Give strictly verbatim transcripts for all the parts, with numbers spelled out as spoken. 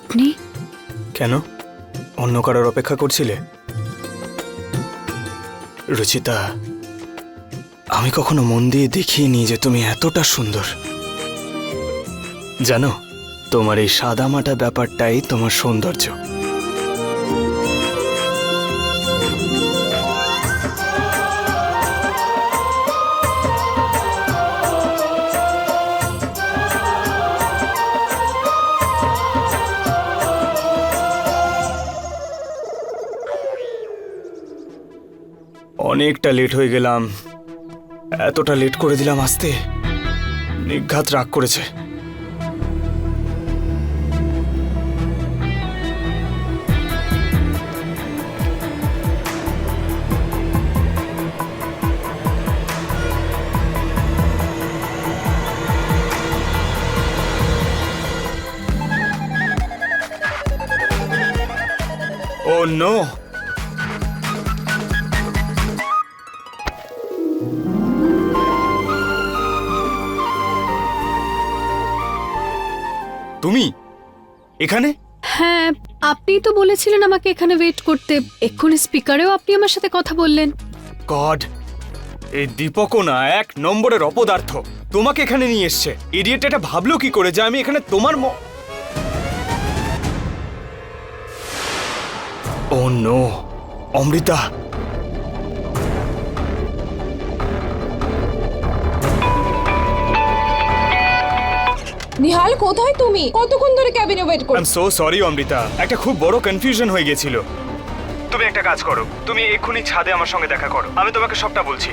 আপনি? কেন, অন্য কারোর অপেক্ষা করছিলে? রুচিতা, আমি কখনো মন দিয়ে দেখিনি যে তুমি এতটা সুন্দর। জানো, তোমার এই সাদামাটা ব্যাপারটাই তোমার সৌন্দর্য। অনেকটা লেট হয়ে গেলাম। এতটা লেট করে দিলাম আসতে। নিঘাত রাগ করেছে। ও নো, তুমি এখানে? হ্যাঁ, আপনিই তো বলেছিলেন আমাকে এখানে ওয়েট করতে। এক্ষুনি স্পিকারেও আপনি আমার সাথে কথা বললেন। গড, এই দীপকও না এক নম্বরের অপদার্থ। তোমাকে এখানে নিয়ে এসছে। ইডিয়েট এটা ভাবলো কি করে যে আমি এখানে তোমার ম ও নো, অমৃতা। নিহাল, কোথায় তুমি? কতক্ষণ ধরে ক্যাবিনে ওয়েট আই করছো? এম সো সরি অমৃতা, একটা খুব বড় কনফিউশন হয়ে গেছিল। তুমি একটা কাজ করো, তুমি এক্ষুনি ছাদে আমার সঙ্গে দেখা করো, আমি তোমাকে সবটা বলছি।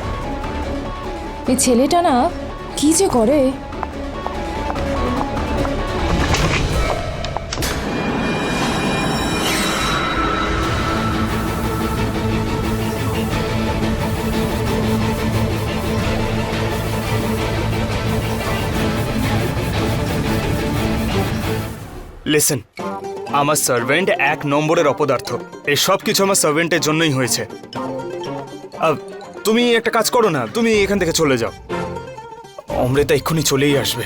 এই ছেলেটা না কি যে করে। লিসেন, আমার সার্ভেন্ট এক নম্বরের অপদার্থ। এই সব কিছু আমার সার্ভেন্টের জন্যই হয়েছে। আহ, তুমি একটা কাজ করো না, তুমি এখান থেকে চলে যাও। অমৃতা এক্ষুনি চলেই আসবে।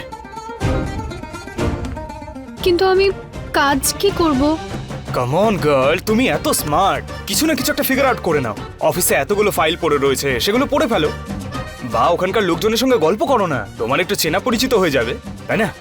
কিন্তু আমি কাজ কি করব? কাম অন গার্ল, তুমি এত স্মার্ট, কিছু না কিছু একটা ফিগার আউট করে নাও। অফিসে এতগুলো ফাইল পড়ে রয়েছে, সেগুলো পড়ে ফেলো। বা ওখানকার লোকজনের সঙ্গে গল্প করো না, তোমার একটু চেনা পরিচিত হয়ে যাবে, তাই না?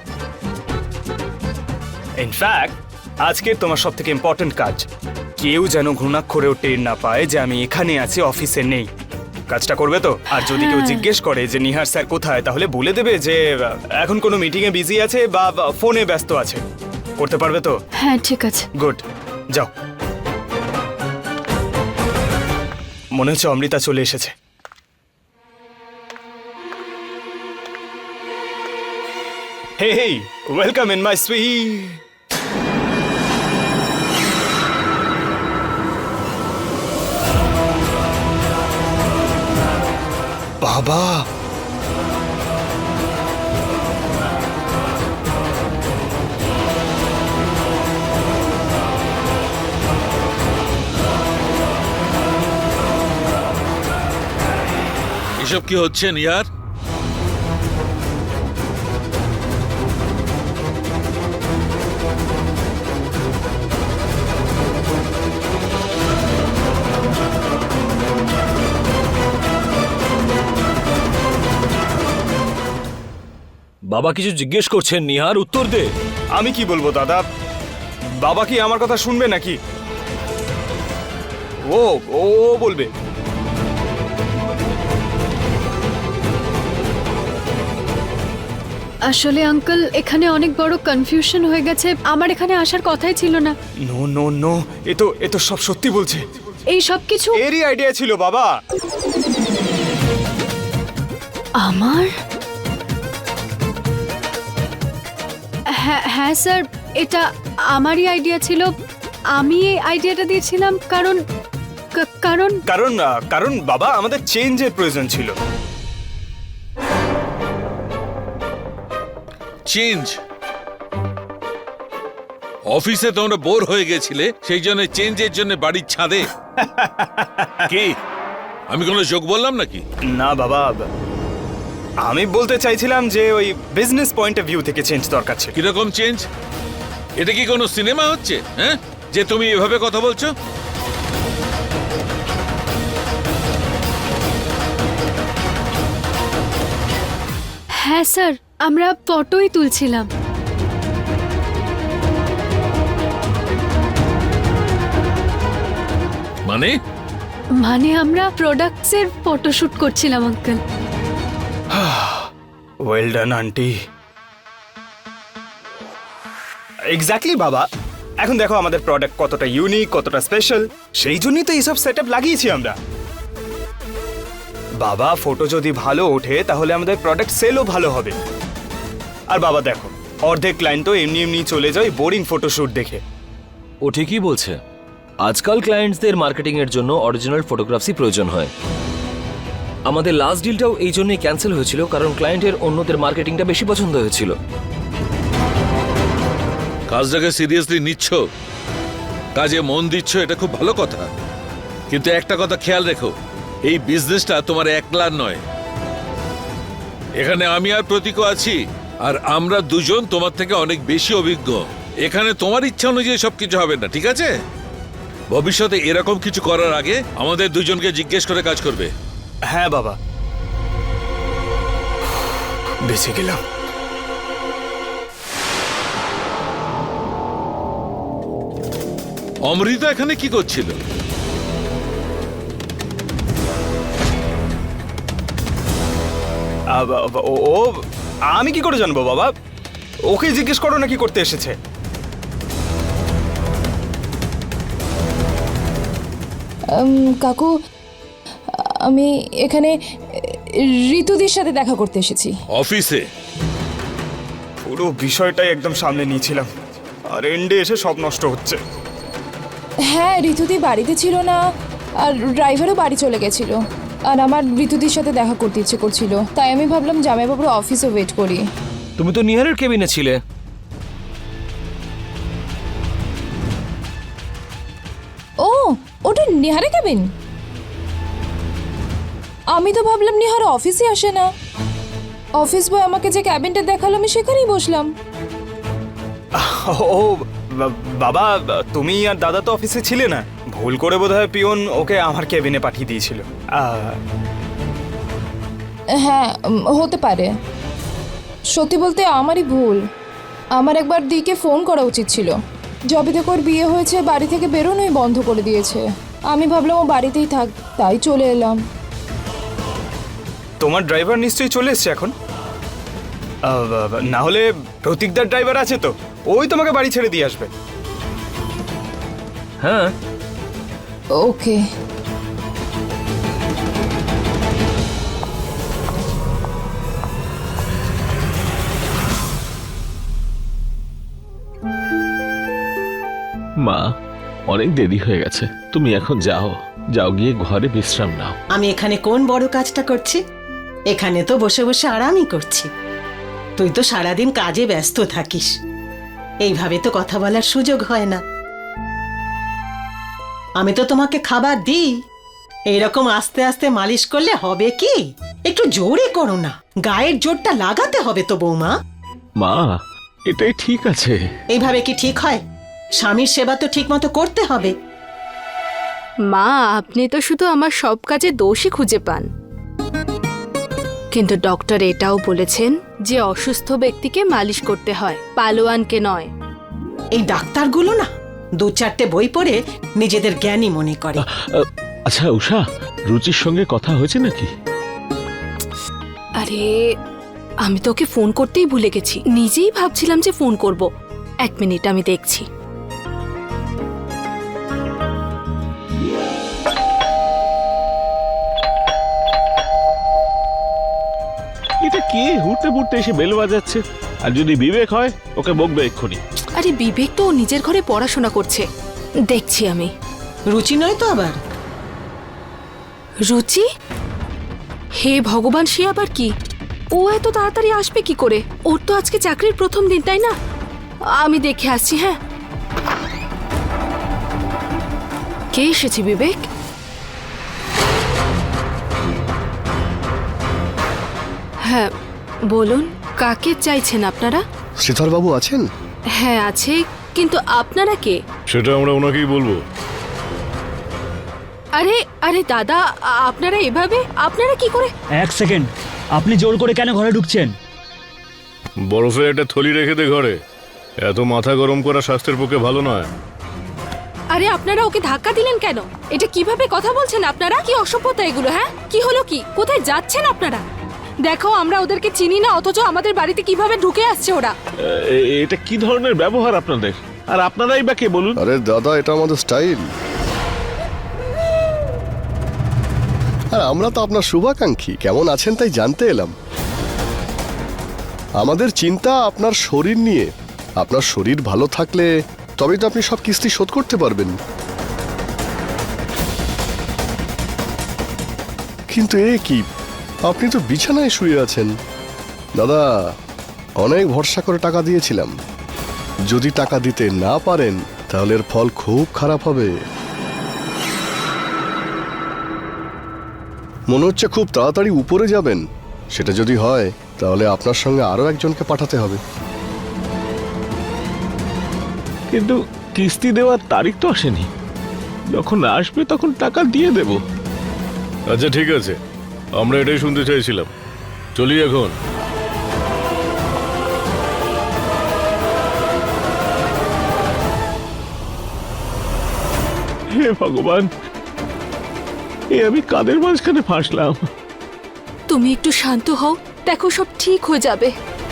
ইনফ্যাক্ট আজকে তোমার সব থেকে ইম্পর্টেন্ট কাজ, কেউ যেন ঘুণাক্ষরেও টের না পায় যে আমি এখানে আছি, অফিসে নেই। কাজটা করবে তো? আর যদি কেউ জিজ্ঞেস করে যে নিহার স্যার কোথায়, তাহলে বলে দেবে যে আহ, এখন কোনো মিটিংয়ে বিজি আছে বা বা ফোনে ব্যস্ত আছে। করতে পারবে তো? হ্যাঁ, ঠিক আছে। গুড, যাও। মনে হচ্ছে অমৃতা চলে এসেছে। Hey hey, welcome in my suite. বাবা, এসব কি হচ্ছে নিহার? বাবা কিছু জিজ্ঞেস করছেন নিহার, উত্তর দে। আমি কি বলবো দাদা? বাবা কি আমার কথা শুনবে নাকি? ও ও বলবে। আসলে আঙ্কেল, এখানে অনেক বড় কনফিউশন হয়ে গেছে। আমার এখানে আসার কথাই ছিল না। নো নো নো, এ তো এ তো সব সত্যি বলছে। এই সব কিছু এরই আইডিয়া ছিল বাবা। আমার? হ্যাঁ হ্যাঁ স্যার, এটা আমারই আইডিয়া ছিল। আমি এই আইডিয়াটা দিয়েছিলাম কারণ কা- কারণ কারণ আহ, কারণ বাবা, আমাদের চেঞ্জের প্রয়োজন ছিল। চেঞ্জ? অফিসে তোমরা বোর হয়ে গেছিলে, সেই জন্য চেঞ্জের জন্য বাড়ির ছাদে? কি আমি কোনো যোগ বললাম নাকি? না বাবা, আমি বলতে চাইছিলাম যে ওই বিজনেস পয়েন্ট অফ ভিউ থেকে চেঞ্জ দরকার ছিল। কিরকম চেঞ্জ? এটা কি কোনো সিনেমা হচ্ছে, হ্যাঁ, যে তুমি এভাবে কথা বলছো? হ্যাঁ স্যার, আমরা ফটোই তুলছিলাম। মানে মানে আমরা প্রোডাক্টসের ফটোশুট করছিলাম uncle. Well done aunty. Exactly বাবা, এখন দেখো আমাদের প্রোডাক্ট কতটা ইউনিক, কতটা স্পেশাল, সেই জন্যই তো এইসব সেট আপ লাগিয়েছি আমরা। বাবা, ফটো যদি ভালো ওঠে তাহলে আমাদের প্রোডাক্ট সেলও ভালো হবে। আর বাবা দেখো, অর্ধেক ক্লায়েন্ট তো এমনি এমনি চলে যায় বোরিং ফটোশুট দেখে। ও ঠিকই বলছে, আজকাল ক্লায়েন্টসদের মার্কেটিং এর জন্য অরিজিনাল ফটোগ্রাফসই প্রয়োজন হয়। আমাদের লাস্ট ডিলটাও এই জন্যই ক্যান্সেল হয়েছিল, কারণ ক্লায়েন্টের অন্যদের মার্কেটিংটা বেশি পছন্দ হয়েছিল। কাজটাকে সিরিয়াসলি নিচ্ছ, কাজে মন দিচ্ছ, এটা খুব ভালো কথা। কিন্তু একটা কথা খেয়াল রেখো, এই বিজনেসটা তোমার একলার নয়। এখানে আমি আর প্রতীকও আছি, আর আমরা দুজন তোমার থেকে অনেক বেশি অভিজ্ঞ। এখানে তোমার ইচ্ছা অনুযায়ী সবকিছু হবে না, ঠিক আছে? ভবিষ্যতে এরকম কিছু করার আগে আমাদের দুজনকে জিজ্ঞেস করে কাজ করবে। হ্যাঁ বাবা, বেঁচে গেলাম। অমৃতা এখানে কি করছিল? আ, বা, বা, ও ও, আমি কি করে জানবো বাবা? ওকে জিজ্ঞেস করো না কি করতে এসেছে। উম, কাকু, আমি এখানে ঋতুদির সাথে দেখা করতে এসেছি। অফিসে? পুরো বিষয়টাই একদম সামনে নিয়েছিলাম, আর এন্ডে এসে সব নষ্ট হচ্ছে। হ্যাঁ, ঋতুদি বাড়িতে ছিল না, আর ড্রাইভারও বাড়ি চলে গেছিল। আর আমার ঋতুদির সাথে দেখা করতে ইচ্ছে করছিল, তাই আমি ভাবলাম জামাইবাবুর অফিসে ওয়েট করি। তুমি তো নিহারের কেবিনে ছিলে। ও, ওটা নিহারে কেবিন? আমি তো ভাবলাম নিহার অফিসে আসে না। অফিস বয় আমাকে যে ক্যাবিনটা দেখালো, আমি সেখানেই বসলাম। ও বা- বাবা, তুমি আর দাদা তো অফিসে ছিলে না, ভুল করে বোধহয় পিয়ন ওকে আমার কেবিনে পাঠিয়ে দিয়েছিল। আ, হ্যাঁ, উম, হতে পারে। সত্যি বলতে আমারই ভুল। আমার একবার দিকে ফোন করা উচিত ছিল। যবে থেকে ওর বিয়ে হয়েছে বাড়ি থেকে বেরোনোই বন্ধ করে দিয়েছে। আমি ভাবলাম ও বাড়িতেই থাক, তাই চলে এলাম। তোমার ড্রাইভার নিশ্চয়ই চলে এসছে এখন। আ, বা- বা, না হলে প্রতীকদার ড্রাইভার আছে তো, ওই তোমাকে বাড়ি ছেড়ে দিয়ে আসবে। হ্যাঁ, ওকে। মা, অনেক দেরি হয়ে গেছে, তুমি এখন যাও। যাও, গিয়ে ঘরে বিশ্রাম নাও। আমি এখানে কোন বড় কাজটা করছি? এখানে তো বসে বসে আরামই করছি। তুই তো সারাদিন কাজে ব্যস্ত থাকিস, এইভাবে তো কথা বলার সুযোগ হয় না। আমি তো তোমাকে খাবার দিই, এইরকম আস্তে আস্তে মালিশ করলে হবে কি? একটু জোরে করো না, গায়ের জোরটা লাগাতে হবে তো বৌমা। মা, এটাই ঠিক আছে। এইভাবে কি ঠিক হয়? স্বামীর সেবা তো ঠিক মতো করতে হবে। মা, আপনি তো শুধু আমার সব কাজে দোষই খুঁজে পান, কিন্তু ডক্টর এটাও বলেছেন যে অসুস্থ ব্যক্তিকে মালিশ করতে হয়, পালোয়ানকে নয়। এই ডাক্তারগুলো না দু চারটে বই পড়ে নিজেদের জ্ঞানী মনে করে। আহ, আচ্ছা উষা, রুচির সঙ্গে কথা হয়েছে নাকি? আরে, আমি তোকে ফোন করতেই ভুলে গেছি, নিজেই ভাবছিলাম যে ফোন করব। এক মিনিট, আমি দেখছি। এটা কি হুটতে ফুটতে এসে বেল বাজাচ্ছে? আর যদি বিবেক হয়, ওকে বকবে এক্ষুনি। আরে বিবেক তো ওর নিজের ঘরে পড়াশোনা করছে, দেখছি আমি। রুচি নয় তো আবার? রুচি? হে ভগবান, সে আবার কি? ও এত তাড়াতাড়ি আসবে কি করে? ওর তো আজকে চাকরির প্রথম দিন, তাই না? আমি দেখে আসছি। হ্যাঁ, কে এসেছে বিবেক? হ্যাঁ বলুন, কাকে চাইছেন আপনারা? শ্রীধরবাবু আছেন? হ্যাঁ আছে, কিন্তু আপনারা কে? সেটা আমরা ওনাকেই বলবো। আরে আরে দাদা, আ- আপনারা এভাবে আপনারা কি করে? এক সেকেন্ড, আপনি জোর করে কেন ঘরে ঢুকছেন? বরফের একটা থলি রেখে দে ঘরে। এত মাথা গরম করা স্বাস্থ্যের পক্ষে ভালো নয়। আরে আপনারা ওকে ধাক্কা দিলেন কেন? এটা কিভাবে কথা বলছেন আপনারা? কি অসভ্যতা এগুলো, হ্যাঁ? কি হলো কি? কোথায় যাচ্ছেন আপনারা? দেখো, আমরা ওদেরকে চিনি না, অথচ আমাদের বাড়িতে কিভাবে ঢুকে আসছে ওরা। এ- এটা কি ধরনের ব্যবহার আপনাদের? আর আপনারাই বা কে বলুন? আরে দাদা, এটা আমাদের স্টাইল। আর আমরা তো আপনার শুভাকাঙ্ক্ষী, কেমন আছেন তাই জানতে এলাম। আমাদের চিন্তা আপনার শরীর নিয়ে। আপনার শরীর ভালো থাকলে তবেই তো আপনি সব কিস্তি শোধ করতে পারবেন। কিন্তু এ কি, আপনি তো বিছানায় শুয়ে আছেন। দাদা, অনেক ভরসা করে টাকা দিয়েছিলাম। যদি টাকা দিতে না পারেন তাহলে এর ফল খুব খারাপ হবে। মনে হচ্ছে খুব তাড়াতাড়ি উপরে যাবেন। সেটা যদি হয় তাহলে আপনার সঙ্গে আরো একজনকে পাঠাতে হবে। কিন্তু কিস্তি দেওয়ার তারিখ তো আসেনি। যখন আসবে তখন টাকা দিয়ে দেব। আচ্ছা ঠিক আছে, আমরা এটাই শুনতে চাইছিলাম। চলি এখন। হে ভগবান, এ আমি কাদের মাঝখানে ফাঁসলাম? তুমি একটু শান্ত হও, দেখো সব ঠিক হয়ে যাবে।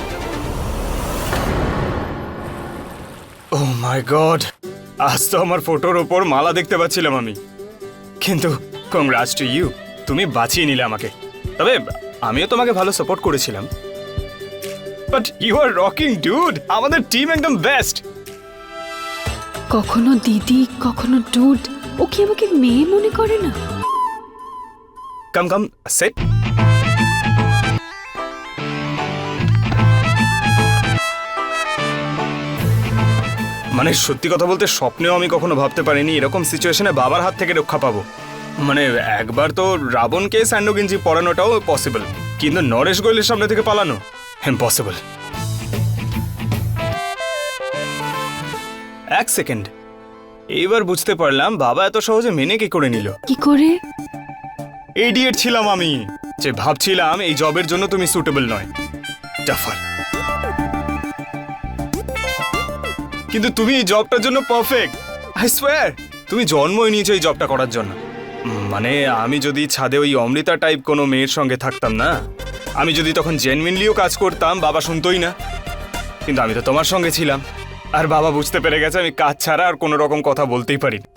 ও মাই গড, আজ তো আমার ফটোর ওপর মালা দেখতে পাচ্ছিলাম আমি। কিন্তু কংগ্রাটস টু ইউ, তুমি বাঁচিয়ে নিলে আমাকে। তবে আমিও তোমাকে ভালো সাপোর্ট করেছিলাম। But you are rocking dude, আমাদের টিম একদম বেস্ট। কখনো দিদি, কখনো ডুড। ও কি আমাকে মেয়ে মনে করে না? Come come set. মানে সত্যি কথা বলতে স্বপ্নেও আমি কখনো ভাবতে পারিনি এরকম সিচুয়েশনে বাবার হাত থেকে রক্ষা পাবো। মানে একবার তো রাবণকে স্যান্ডো গেঞ্জি পরানোটাও পসিবল, কিন্তু নরেশ গোয়েলের সামনে থেকে পালানো ইম্পসিবল। এক সেকেন্ড, এইবার বুঝতে পারলাম বাবা এত সহজে মেনে কি করে নিল। কি করে? ইডিয়েট ছিলাম আমি যে ভাবছিলাম এই জবের জন্য তুমি সুটেবল নয়, টাফার। কিন্তু তুমি এই জবটার জন্য পারফেক্ট। আই সোয়্যার, তুমি জন্মই নিয়েছো এই জবটা করার জন্য। উম, মানে আমি যদি ছাদে ওই অমৃতা টাইপ কোনো মেয়ের সঙ্গে থাকতাম না, আমি যদি তখন জেনুইনলিও কাজ করতাম, বাবা শুনতোই না। কিন্তু আমি তো তোমার সঙ্গে ছিলাম, আর বাবা বুঝতে পেরে গেছে আমি কাজ ছাড়া আর কোনো রকম কথা বলতেই পারি না।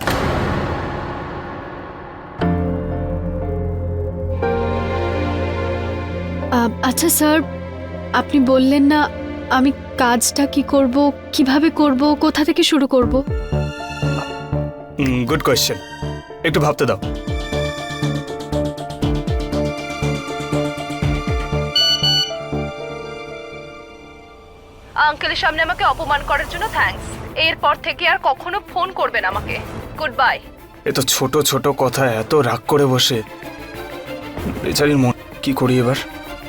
আ- আচ্ছা স্যার, আপনি বললেন না আমি কাজটা কি করব, কিভাবে করব, কোথা থেকে শুরু করব? গুড কোয়েশ্চেন, একটু ভাবতে দাও। আঙ্কেলের সামনে আমাকে অপমান করার জন্য থ্যাঙ্কস। এরপর থেকে আর কখনো ফোন করবেন আমাকে। Good bye. এ তো ছোট ছোট কথা এত রাগ করে বসে, বেচারির মন কি করি এবার।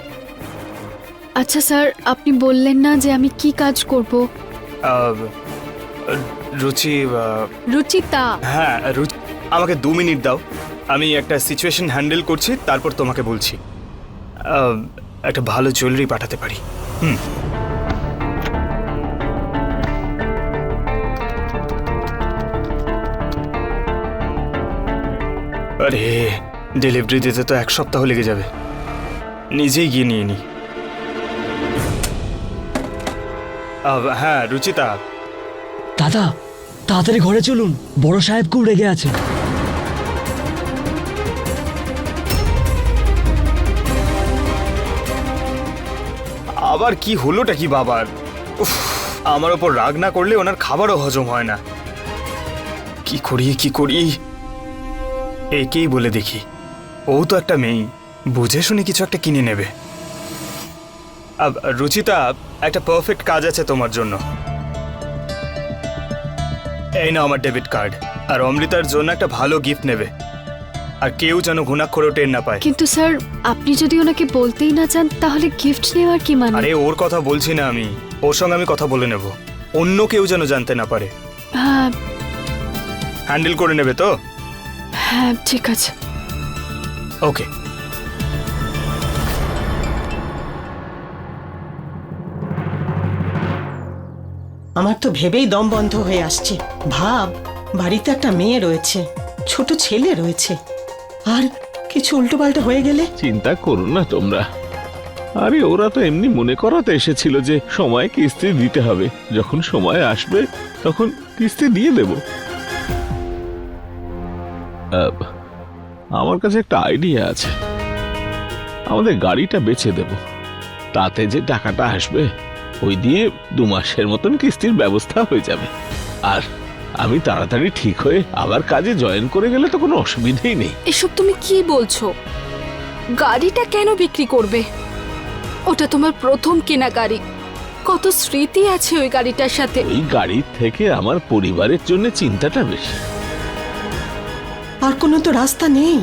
আচ্ছা স্যার, আপনি বললেন না যে আমি কি কাজ করব? আহ, রুচি, আহ, রুচিতা। হ্যাঁ রুচি, আমাকে দু মিনিট দাও, আমি একটা সিচুয়েশন হ্যান্ডেল করছি, তারপর তোমাকে বলছি। আহ, একটা ভালো জুয়েলারি পাঠাতে পারি। হুম, আরে ডেলিভারি দিতে তো এক সপ্তাহ লেগে যাবে, নিজেই গিয়ে নিয়ে নি। হ্যাঁ রুচিতা, দাদা, তাড়াতাড়ি ঘরে চলুন, বড় সাহেব খুব রেগে আছে। আবার কি হলোটা কি বাবার? উফ, আমার ওপর রাগ না করলে ওনার খাবারও হজম হয় না। কি করি কি করি, একেই বলে দেখি, ও তো একটা মেয়ে, বুঝে শুনে কিছু একটা কিনে নেবে। আব, রুচিতা, একটা পারফেক্ট কাজ আছে তোমার জন্য। এই নাও আমার ডেবিট কার্ড, আর অমৃতার জন্য একটা ভালো গিফট নেবে, আর কেউ যেন ঘুণাক্ষরেও টের না পায়। কিন্তু স্যার, আপনি যদি ওনাকে বলতেই না চান তাহলে গিফট নেওয়ার কি মানে? আরে ওর কথা বলছি না আমি, ওর সঙ্গে আমি কথা বলে নেব। অন্য কেউ যেন জানতে না পারে। হ্যাঁ হ্যান্ডেল করে নেবে তো? হ্যাঁ ঠিক আছে। ওকে। আমার তো ভেবেই দম বন্ধ হয়ে আসছে। ভাব, বাড়িতে একটা মেয়ে রয়েছে, ছোট ছেলে রয়েছে, আর কিছু উল্টোপাল্টা হয়ে গেলে? চিন্তা করো না তোমরা। আরে ওরা তো এমনি মনে করাতে এসেছিল যে সময় কিস্তি দিতে হবে, যখন সময় আসবে তখন কিস্তি দিয়ে দেব। আহ, আমার কাছে একটা আইডিয়া আছে। আমাদের গাড়িটা বেচে দেব, তাতে যে টাকাটা আসবে ওই দিয়ে দু মাসের মতন কিস্তির ব্যবস্থা হয়ে যাবে। আর আমি তাড়াতাড়ি ঠিক হয়ে আবার কাজে জয়েন করে গেলে তো কোনো অসুবিধেই নেই। এসব তুমি কি বলছো? গাড়িটা কেন বিক্রি করবে? ওটা তোমার প্রথম কেনা গাড়ি, কত স্মৃতি আছে ওই গাড়িটার সাথে। এই গাড়ির থেকে আমার পরিবারের জন্য চিন্তাটা বেশি। আর কোনো তো রাস্তা নেই।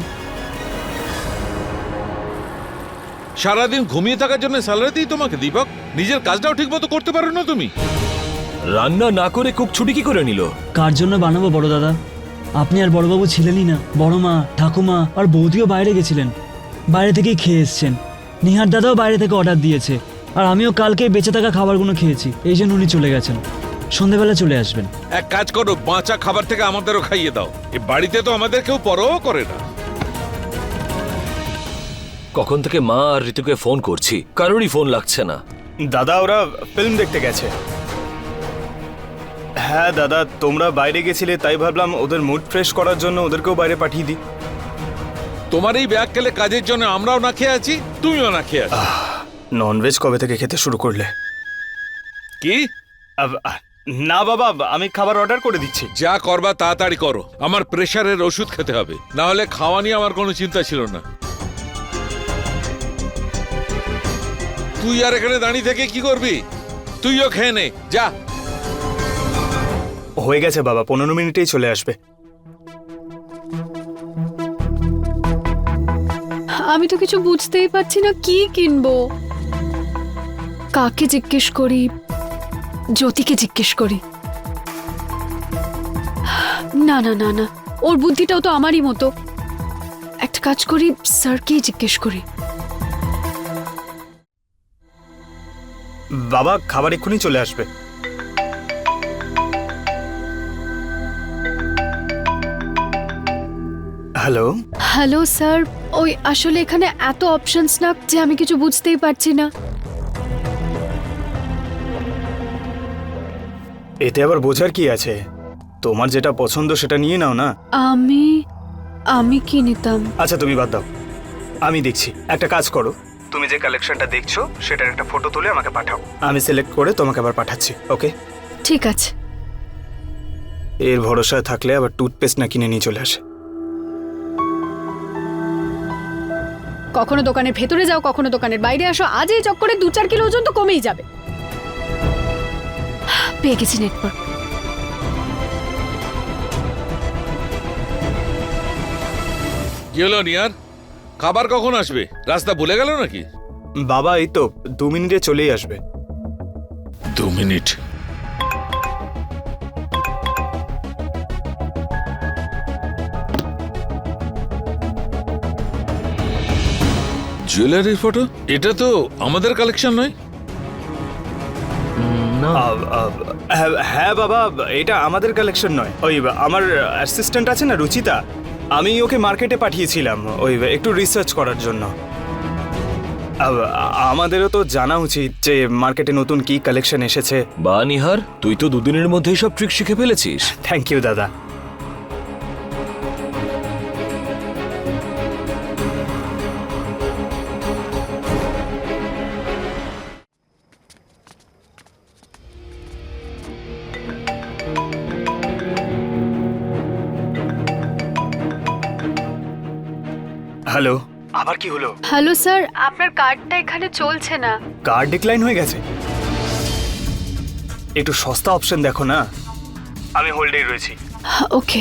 সারাদিন ঘুমিয়ে থাকার জন্য স্যালারি দিই তোমাকে দীপক, নিজের কাজটাও ঠিক মতো করতে পারো না তুমি। রান্না না করে কুক ছুটি কি করে নিল? কার জন্য বানাবো বড় দাদা? আপনি আর বড়বাবু ছিলেনই না, বড় মা, ঠাকুমা আর বৌদিও বাইরে গেছিলেন, বাইরে থেকেই খেয়ে এসছেন। নিহার দাদাও বাইরে থেকে অর্ডার দিয়েছে, আর আমিও কালকে বেঁচে থাকা খাবারগুলো খেয়েছি, এই জন্য উনি চলে গেছেন। সন্ধেবেলা চলে আসবেন। এক কাজ করো, বাঁচা খাবার থেকে আমাদেরও খাইয়ে দাও। এ বাড়িতে তো আমাদের কেউ পরও করে না। কখন থেকে মা আর ঋতুকে ফোন করছি, কারোরই ফোন লাগছে না। দাদা ওরা ফিল্ম দেখতে গেছে। হ্যাঁ দাদা, তোমরা বাইরে গেছিলে তাই ভাবলাম ওদের মুড ফ্রেশ করার জন্য ওদেরকেও বাইরে পাঠিয়ে দিই। তোমার এই ব্যাগ গেলে কাজের জন্য আমরাও না খেয়ে আছি, তুমিও না খেয়ে আছো। ননভেজ কবে থেকে খেতে শুরু করলে? কি? আব- আহ, না বাবা, আমি খাবার অর্ডার করে দিচ্ছি। যা করবা তাড়াতাড়ি করো, আমার প্রেশারের ওষুধ খেতে হবে, না হলে খাওয়া নিয়ে আমার কোনো চিন্তা ছিল না। তুই আর এখানে দাঁড়িয়ে থেকে কি করবি? তুইও খেয়ে নে, যা। হয়ে গেছে বাবা, পনেরো মিনিটেই চলে আসবে। আমি তো কিছু বুঝতেই পারছি না কি কিনবো। কাকে জিজ্ঞেস করি? জ্যোতিকে জিজ্ঞেস করি। না না না না, ওর বুদ্ধিটাও তো আমারই মতো। একটা কাজ করি, স্যারকেই জিজ্ঞেস করি। বাবা খাবার এক্ষুনি চলে আসবে। হ্যালো হ্যালো স্যার, ওই আসলে এখানে এত অপশনস না যে আমি কিছু বুঝতেই পারছি না। এতে আবার বোঝার কি আছে? তোমার যেটা পছন্দ সেটা নিয়ে নাও না। আমি আমি কি নিতাম? আচ্ছা তুমি বাদ দাও, আমি দেখছি। একটা কাজ করো, তুমি যে কালেকশনটা দেখছো সেটার একটা ফটো তুলে আমাকে পাঠাও, আমি সিলেক্ট করে তোমাকে আবার পাঠাচ্ছি। ওকে ঠিক আছে। এর ভরসায় থাকলে আবার টুথপেস্ট না কিনে নিয়ে চলে আসে। কখনো দোকানের ভেতরে যাও, কখনো দোকানের বাইরে আসো, আজ এই চক্করে দু চার কিলো ওজন তো কমেই যাবে। পেয়ে গেছি নেটওয়ার্ক। কি হলো নিয়ার, খাবার কখন আসবে? রাস্তা ভুলে গেল নাকি? বাবা এই তো দু মিনিটে চলেই আসবে। দু মিনিট? জুয়েলারির ফটো? এটা তো আমাদের কালেকশন নয়। আব, আব, হ্যাঁ, হ্যাঁ বাবা, এটা আমাদের কালেকশন নয়। ওই আমার অ্যাসিস্ট্যান্ট আছে না রুচিতা, আমি ওকে মার্কেটে পাঠিয়েছিলাম ওই একটু রিসার্চ করার জন্য। আব, আমাদেরও তো জানা উচিত যে মার্কেটে নতুন কি কালেকশন এসেছে। বা নিহার, তুই তো দুদিনের মধ্যেই সব ট্রিক শিখে ফেলেছিস। থ্যাংক ইউ দাদা। হ্যালো, আবার কি হলো? হ্যালো স্যার, আপনার কার্ডটা এখানে চলছে না। কার্ড ডিক্লাইন হয়ে গেছে? একটু সস্তা অপশন দেখো না। আমি হোল্ডেই রয়েছি। ওকে।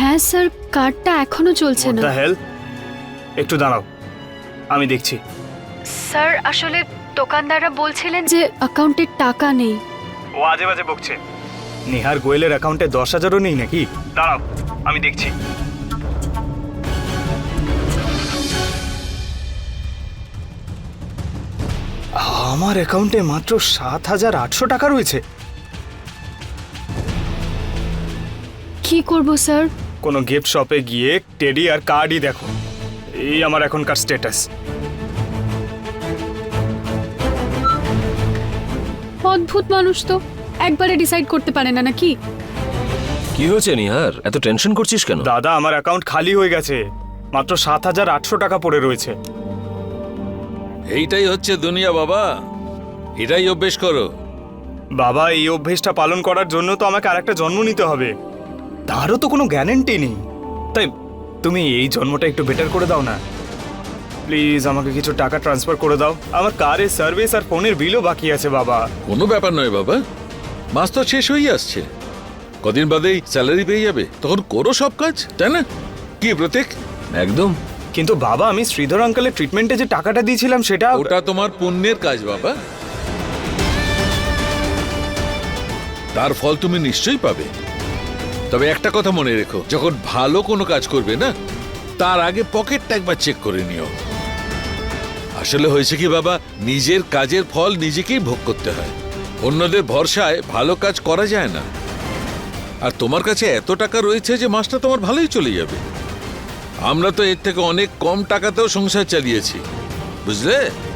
হ্যাঁ স্যার, কার্ডটা এখনো চলছে না। দ্য হেল, একটু দাঁড়াও, আমি দেখছি। স্যার আসলে দোকানদাররা বলছিলেন যে অ্যাকাউন্টে টাকা নেই। ও আজে বাজে বকছে। নিহার গোয়েলের অ্যাকাউন্টে দশ হাজারও নেই নাকি? দাঁড়াও, আমি দেখছি। আমার অ্যাকাউন্টে মাত্র সাত হাজার আটশো টাকা রয়েছে। কি করব স্যার? কোনো গিফট শপে গিয়ে টেডি আর কার্ডই দেখো। এই আমার এখনকার স্ট্যাটাস। অদ্ভুত মানুষ তো, একবারে ডিসাইড করতে পারে না নাকি? কি হয়েছে নিহার, এত টেনশন করছিস কেন? দাদা, আমার অ্যাকাউন্ট খালি হয়ে গেছে, মাত্র সাত হাজার আটশো টাকা পড়ে রয়েছে। এইটাই হচ্ছে দুনিয়া বাবা, এটাই অভ্যেস করো। বাবা, এই অভ্যেসটা পালন করার জন্য তো আমাকে আরেকটা জন্ম নিতে হবে, তারও তো কোনো গ্যারান্টি নেই। তাই তুমি এই জন্মটা একটু বেটার করে দাও না প্লিজ, আমাকে কিছু টাকা ট্রান্সফার করে দাও। আমার কারের সার্ভিস আর ফোনের বিলও বাকি আছে বাবা। কোনো ব্যাপার নয় বাবা, মাস তো শেষ হয়ে আসছে, কদিন বাদেই স্যালারি পেয়ে যাবে, তখন করো সব কাজ, তাই না? কি প্রতীক? একদম। কিন্তু বাবা, আমি শ্রীধর আঙ্কেলের ট্রিটমেন্টে যে টাকাটা দিয়েছিলাম সেটা ওটা তোমার পুণ্যের কাজ বাবা, তার ফল তুমি নিশ্চয়ই পাবে। তবে একটা কথা মনে রেখো, যখন ভালো কোনো কাজ করবে না, তার আগে পকেটটা একবার চেক করে নিও। আসলে হয়েছে কি বাবা, নিজের কাজের ফল নিজেকেই ভোগ করতে হয়, অন্যদের ভরসায় ভালো কাজ করা যায় না। আর তোমার কাছে এত টাকা রয়েছে যে মাসটা তোমার ভালোই চলে যাবে। আমরা তো এর থেকে অনেক কম টাকাতেও সংসার চালিয়েছি, বুঝলে?